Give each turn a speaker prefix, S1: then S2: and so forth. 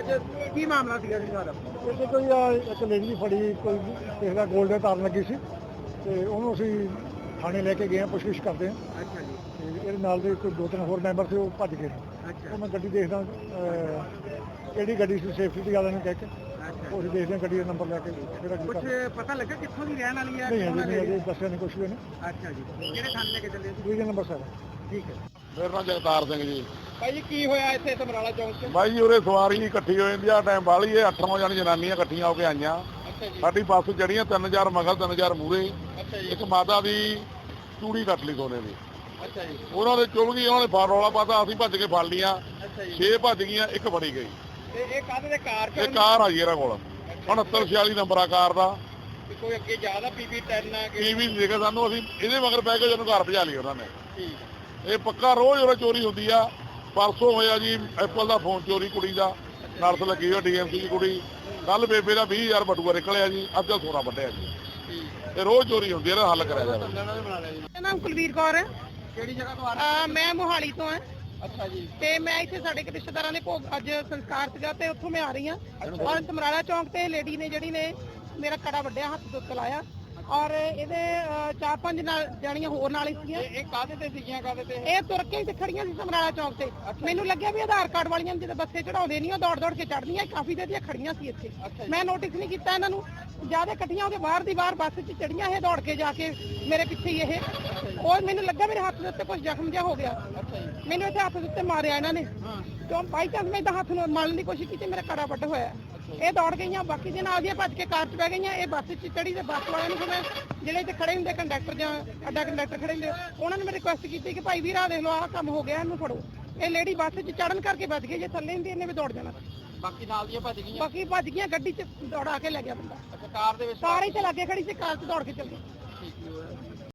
S1: ਅੱਜ ਕੀ ਮਾਮਲਾ ਸੀਗਾ ਜੀ ਸਾਰਾ?
S2: ਇੱਥੇ ਕੋਈ ਇੱਕ ਲੇਡੀ ਫੜੀ, ਕੋਈ ਕਿਸੇ ਦਾ ਗੋਲਡ ਦੇ ਤਾਰ ਲੱਗੀ ਸੀ ਤੇ ਉਹਨੂੰ ਅਸੀਂ ਥਾਣੇ ਲੈ ਕੇ ਗਏ ਹਾਂ, ਪੁੱਛਗਿੱਛ ਕਰਦੇ ਹਾਂ।
S1: ਅੱਛਾ ਜੀ।
S2: ਤੇ ਇਹਦੇ ਨਾਲ ਦੇ ਕੋਈ 2-3 ਹੋਰ ਮੈਂਬਰ ਸੀ, ਉਹ ਭੱਜ ਗਏ।
S1: ਅੱਛਾ।
S2: ਉਹ ਮੈਂ ਗੱਡੀ ਦੇਖਦਾ ਕਿਹੜੀ ਗੱਡੀ ਸੀ, ਸੇਫਟੀ ਵਾਲਿਆਂ ਨੂੰ ਕਹਿ ਕੇ ਉਹ ਅਸੀਂ ਦੇਖਦੇ ਹਾਂ ਗੱਡੀ ਦਾ ਨੰਬਰ ਲੈ ਕੇ ਕਿਹੜਾ ਕੀ
S1: ਕੁਝ
S2: ਕਰਦਾ।
S1: ਪਤਾ ਲੱਗਾ ਕਿੱਥੋਂ ਦੀ ਰਹਿਣ ਵਾਲੀ ਹੈ?
S2: ਨਹੀਂ ਅਜੇ ਨਹੀਂ ਦੱਸਿਆ ਨਹੀਂ ਕੁਛ ਵੀ ਨੇ।
S1: ਅੱਛਾ ਜੀ। ਕਿਹੜੇ ਥਾਣੇ ਲੈ ਕੇ ਚੱਲੇ ਸੀ?
S2: ਦੂਜੇ ਨੰਬਰ ਸਰ।
S1: ਠੀਕ ਹੈ।
S3: ਮੇਰਾ ਨਾਮ ਜਗਤਾਰ ਸਿੰਘ ਜੀ।
S1: ਭਾਈ ਜੀ ਕੀ ਹੋਇਆ ਇੱਥੇ ਸਮਰਾਲਾ ਚੌਂਕ 'ਚ?
S3: ਬਾਈ ਜੀ ਉਰੇ ਸਵਾਰੀ ਇਕੱਠੀ ਹੋ ਜਾਂਦੀ ਆ, ਟਾਈਮ ਬਾਹਲੀ ਇਹ 8-9 ਜਣ ਜਨਾਨੀਆਂ ਇਕੱਠੀਆਂ ਹੋ ਕੇ ਆਈਆਂ।
S1: ਅੱਛਾ ਜੀ।
S3: ਸਾਡੀ ਬੱਸ ਚੜੀਆਂ 3000 ਮਗਰ 3000 ਮੂਰੇ।
S1: ਅੱਛਾ ਜੀ।
S3: ਇੱਕ ਮਾਤਾ ਦੀ ਚੂੜੀ ਕੱਟ ਲਈ ਸੋਨੇ ਦੀ,
S1: ਅੱਛਾ ਜੀ।
S3: ਉਹਨਾਂ ਦੇ ਚੁੱਲ ਗਈ, ਉਹਨਾਂ ਨੇ ਫਾਰ ਰੌਲਾ ਪਾਤਾ, ਅਸੀਂ ਭੱਜ ਕੇ ਫੜ ਲੀਆਂ।
S1: ਅੱਛਾ ਜੀ।
S3: 6 ਭੱਜ ਗਈਆਂ, ਇੱਕ ਫੜੀ ਗਈ।
S1: ਤੇ ਇਹ ਕਾਹਦੇ ਦੇ ਕਾਰ
S3: ਇਹ ਕਾਰ ਆ ਜੀ ਇਹਨਾਂ ਕੋਲ 6946 ਨੰਬਰ ਆ ਕਾਰ ਦਾ।
S1: ਕੋਈ ਅੱਗੇ ਜ਼ਿਆਦਾ PB10 ਆ
S3: ਕੀ ਵੀ ਨਹੀਂ ਦੇਖਿਆ ਸਾਨੂੰ, ਅਸੀਂ ਇਹਦੇ ਮਗਰ ਪੈ ਕੇ ਜਦੋਂ ਘਰ ਭਜਾ ਲਈ ਉਹਨਾਂ ਨੇ।
S1: ਠੀਕ।
S3: ਇਹ ਪੱਕਾ ਰੋਜ਼ ਉਰੇ ਚੋਰੀ ਹੁੰਦੀ ਆ। ਪਰਸੋਂ ਹੋਇਆ ਜੀ ਐਪਲ ਦਾ ਫੋਨ ਚੋਰੀ, ਕੁੜੀ ਦਾ ਨਰਸ ਲੱਗੀ ਹੋਈ DMC ਦੀ ਕੁੜੀ। ਕੱਲ ਬੇਬੇ ਦਾ 20000 ਬਟੂਆ ਨਿਕਲਿਆ ਜੀ, ਅੱਜ ਦਾ ਸੋਨਾ ਵੱਢਿਆ ਜੀ। ਇਹ ਰੋਜ਼ ਚੋਰੀ ਹੁੰਦੀ ਹੈ, ਇਹਦਾ ਹੱਲ ਕਰਿਆ ਜਾਵੇ।
S4: ਮੇਰਾ ਨਾਮ ਕੁਲਵੀਰ ਕੌਰ ਹੈ।
S1: ਕਿਹੜੀ ਜਗ੍ਹਾ ਤੋਂ ਆ ਰਹੇ?
S4: ਮੈਂ ਮੋਹਾਲੀ ਤੋਂ ਹਾਂ
S1: ਅੱਛਾ ਜੀ।
S4: ਤੇ ਮੈਂ ਇੱਥੇ ਸਾਡੇ ਇੱਕ ਰਿਸ਼ਤੇਦਾਰਾਂ ਦੇ ਭੋਗ ਅੱਜ ਸੰਸਕਾਰ ਸੀਗਾ ਤੇ ਉੱਥੋਂ ਮੈਂ ਆ ਰਹੀ ਹਾਂ। ਔਰ ਸਮਰਾਲਾ ਚੌਂਕ ਤੇ ਲੇਡੀ ਨੇ ਜਿਹੜੀ ਨੇ ਮੇਰਾ ਕੜਾ ਵੱਢਿਆ, ਹੱਥ ਤੋਂ ਲਾਇਆ ਔਰ ਇਹਦੇ 4-5 ਜਾਣੀਆਂ ਹੋਰ ਨਾਲ ਸੀਗੀਆਂ।
S1: ਇਹ ਕਾਹਦੇ ਤੇ ਸੀਗੀਆਂ, ਕਾਹਦੇ ਤੇ?
S4: ਇਹ ਤੁਰ ਕੇ ਤੇ ਖੜੀਆਂ ਸੀ ਸਮਰਾਲਾ ਚੌਂਕ ਤੇ। ਮੈਨੂੰ ਲੱਗਿਆ ਵੀ ਆਧਾਰ ਕਾਰਡ ਵਾਲੀਆਂ ਜਦੋਂ ਬੱਸੇ ਚੜਾਉਂਦੇ ਨਹੀਂ ਉਹ ਦੌੜ ਕੇ ਚੜਦੀਆਂ, ਕਾਫੀ ਦੇਰ ਦੀਆਂ ਖੜੀਆਂ ਸੀ ਇੱਥੇ। ਮੈਂ ਨੋਟਿਸ ਨਹੀਂ ਕੀਤਾ ਇਹਨਾਂ ਨੂੰ, ਜਿਆਦਾ ਇਕੱਠੀਆਂ ਹੋ ਕੇ ਬਾਹਰ ਦੀ ਬਾਹਰ ਬੱਸ 'ਚ ਚੜੀਆਂ, ਇਹ ਦੌੜ ਕੇ ਜਾ ਕੇ ਮੇਰੇ ਪਿੱਛੇ ਹੀ ਇਹ। ਔਰ ਮੈਨੂੰ ਲੱਗਾ ਮੇਰੇ ਹੱਥ ਦੇ ਉੱਤੇ ਕੁਝ ਜ਼ਖਮ ਜਿਹਾ ਹੋ ਗਿਆ। ਮੈਨੂੰ ਇੱਥੇ ਹੱਥ ਦੇ ਉੱਤੇ ਮਾਰਿਆ ਇਹਨਾਂ ਨੇ। ਕਿਉਂ ਬਾਈ ਚਾਂਸ ਮੈਂ ਤਾਂ ਹੱਥ ਨੂੰ ਮਾਰਨ ਦੀ ਕੋਸ਼ਿਸ਼ ਕੀਤੀ, ਮੇਰਾ ਕੜਾ ਵੱਢ ਹੋਇਆ। ਇਹ ਦੌੜ ਗਈਆਂ, ਬਾਕੀ ਦੇ ਨਾਲ ਦੀਆਂ ਭੱਜ ਕੇ ਕਾਰ 'ਚ ਬਹਿ ਗਈਆਂ। ਇਹ ਬੱਸ 'ਚ ਚੜੀ ਤੇ ਬੱਸ ਵਾਲਿਆਂ ਨੂੰ ਮੈਂ ਜਿਹੜੇ ਇੱਥੇ ਖੜੇ ਹੁੰਦੇ ਕੰਡਕਟਰ ਜਾਂ ਅੱਡਾ ਕੰਡਕਟਰ ਖੜੇ ਹੁੰਦੇ, ਉਹਨਾਂ ਨੇ ਮੈਂ ਰਿਕੁਐਸਟ ਕੀਤੀ ਕਿ ਭਾਈ ਵੀਰ ਆਹ ਦੇਖ ਲਓ ਆਹ ਕੰਮ ਹੋ ਗਿਆ, ਇਹਨੂੰ ਫੜੋ। ਇਹ ਲੇਡੀ ਬੱਸ 'ਚ ਚੜਨ ਕਰਕੇ ਬਚ ਗਈ, ਜੇ ਥੱਲੇ ਹੁੰਦੀ ਇਹਨੇ ਵੀ ਦੌੜ ਜਾਣਾ।
S1: ਬਾਕੀ ਨਾਲ ਦੀਆਂ ਭੱਜ ਗਈਆਂ?
S4: ਬਾਕੀ ਭੱਜ ਗਈਆਂ, ਗੱਡੀ 'ਚ ਦੌੜਾ ਕੇ ਲੈ ਗਿਆ ਬੰਦਾ।
S1: ਅੱਛਾ, ਕਾਰ ਦੇ ਵਿੱਚ?
S4: ਕਾਰ ਹੀ ਤੇ ਲਾਗੇ ਖੜੀ ਸੀ, ਕਾਰ 'ਚ ਦੌੜ ਕੇ ਚੱਲ ਗਈ।
S1: ਠੀਕ ਹੈ।